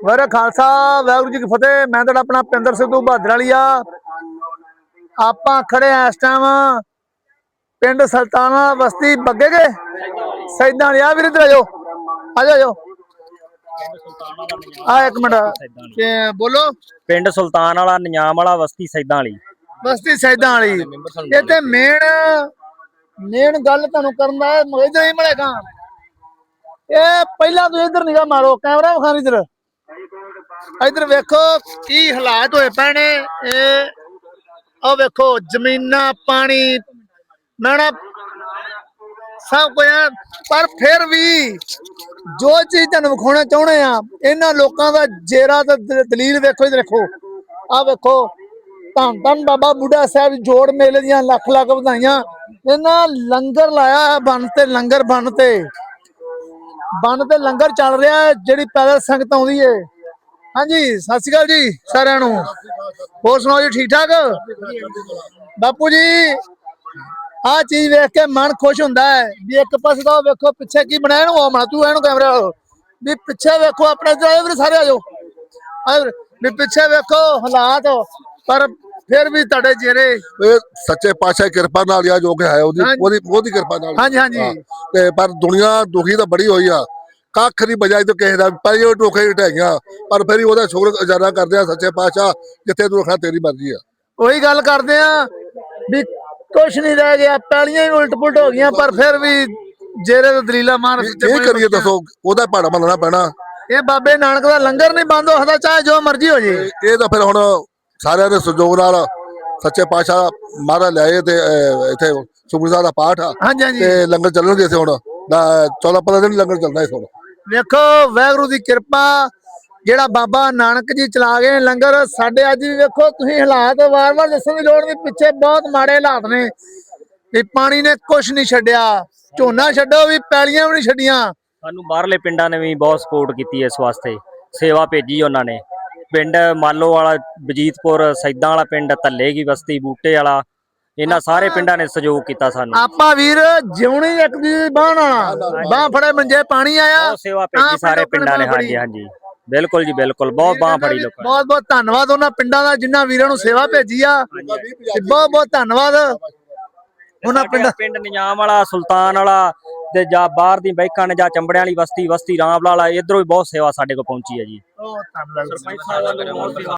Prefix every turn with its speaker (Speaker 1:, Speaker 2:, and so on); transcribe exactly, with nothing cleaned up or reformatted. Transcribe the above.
Speaker 1: ਵਾਹਿਗੁਰੂ ਖਾਲਸਾ ਵਾਹਿਗੁਰੂ जी की फतेह। मैं तो अपना पिंदर सिद्धू बहादर वाली आ आप खड़े हैं इस टाइम पिंड सुल्ताना बस्ती बग्गे के सैदा वाली आ वीर इधर आजो आ जाओ आ एक मिनट बोलो
Speaker 2: पिंड सुल्तान वाला नियाम वाला बस्ती सैदा वाली
Speaker 1: बस्ती सैदा वाली इत्थे मेन मेन गल तुहानू करन दा इधर ही मिलेगा ये पहला तो इधर निगाह मारो कैमरा विखा इधर इधर वेखो की हालात होए पे ने वेखो जमीना पानी मैं सब कुछ पर फिर भी जो चीज तुहानू विखाना चाहुंदे आ इन्हां लोकां दा जेरा ते दलील वेखो इधर देखो आ वेखो धन धन बाबा बुढ़ा साहब जोड़ मेले दियां लख लख बधाइयां इन्हां लंगर लाया बन ते लंगर बन ते बन ते लंगर चल रहा है जिहड़ी पैदल संगत आउंदी है। हाँ जी सत श्री अकाल जी सारिਆਂ ਨੂੰ होर सुनाओ जी ठीक ठाक बापू जी आ चीज वेख के मन खुश हुंदा है भी एक पासे तो वेखो पिछे की बनाया नु मा तू एनु कैमरा भी पिछे वेखो अपने इधर आए भी सारे आ जाओ भी पिछे वेखो हालात पर फिर भी तुहाडे चेहरे
Speaker 3: सच्चे पातशाह किरपा नाल या जो कि है ओदी ओदी ओदी किरपा नाल
Speaker 1: हाँ जी हाँ जी
Speaker 3: ते पर दुनिया दुखी तो बड़ी होई आ कख नहीं बजाई तो किसी का पहले टोखे ढाइया पर फिर भी शुक्र गुजारा करते हैं सच्चे पातशाह जिथे तू रखना तेरी मर्जी है
Speaker 1: वही गल करते भी कुछ नहीं रह गया पैलियां ही उल्ट पुलट हो गई पर फिर भी जेरे तो दलीला मार
Speaker 3: की करिए दसो ओदा भाड़ा मनना पैना
Speaker 1: ये बाबे नानक दा लंगर नहीं बंद हो सकता चाहे जो मर्जी हो जाए
Speaker 3: ये तो फिर हुण सारिਆਂ ਦੇ सहयोग नाल सच्चे पातशाह महाराज लियाए ते इत्थे सुखमनी साहिब दा पाठ आ
Speaker 1: हाँ जी हाँ जी
Speaker 3: ते लंगर ਚੱਲਣਗੇ इत्थे हुण चौदह पंद्रह दिन लंगर ਚੱਲਣਾ इत्थे हुण
Speaker 1: वेखो वाहिगुरू दी किरपा जेड़ा बाबा नानक जी चला गए लंगर साडे अज भी वेखो तुसीं हालात वार वार दस्सण दी लोड़ नहीं पिछे बहुत माड़े हालात ने भी पानी ने कुछ नहीं छड्डिया झोना छड्डो भी पैलियां भी नहीं छड्डियां
Speaker 2: सानू बाहरले पिंडां ने भी बहुत सपोर्ट की इस वास्ते सेवा भेजी उन्होंने पिंड मालो वाला बजीतपुर सैदा वाला पिंड धल्ले की बस्ती बूटे वाला इन्हां सारे पिंडां ने सहयोग किया सानू
Speaker 1: आपा वीर जिउणी एक दी बाह नाल बाह फड़े मंजे पानी आया
Speaker 2: सेवा भेजी सारे पिंडां ने। हाँ जी हाँ जी बिल्कुल जी बिल्कुल बहुत बाह फड़ी लोग
Speaker 1: बहुत बहुत धन्नवाद उन्हां पिंडां दा जिन्हां वीरां नूं सेवा भेजी आ बहुत बहुत धन्नवाद उन्हां पिंड
Speaker 2: पिंड निजाम वाला सुल्तान वाला ते जा बाहर दी बैकां ने जा चंबड़ियां वाली बस्ती बस्ती रामलाल इधरों भी बहुत सेवा साडे को पहुंची है जी।
Speaker 1: बहुत धन्नवाद।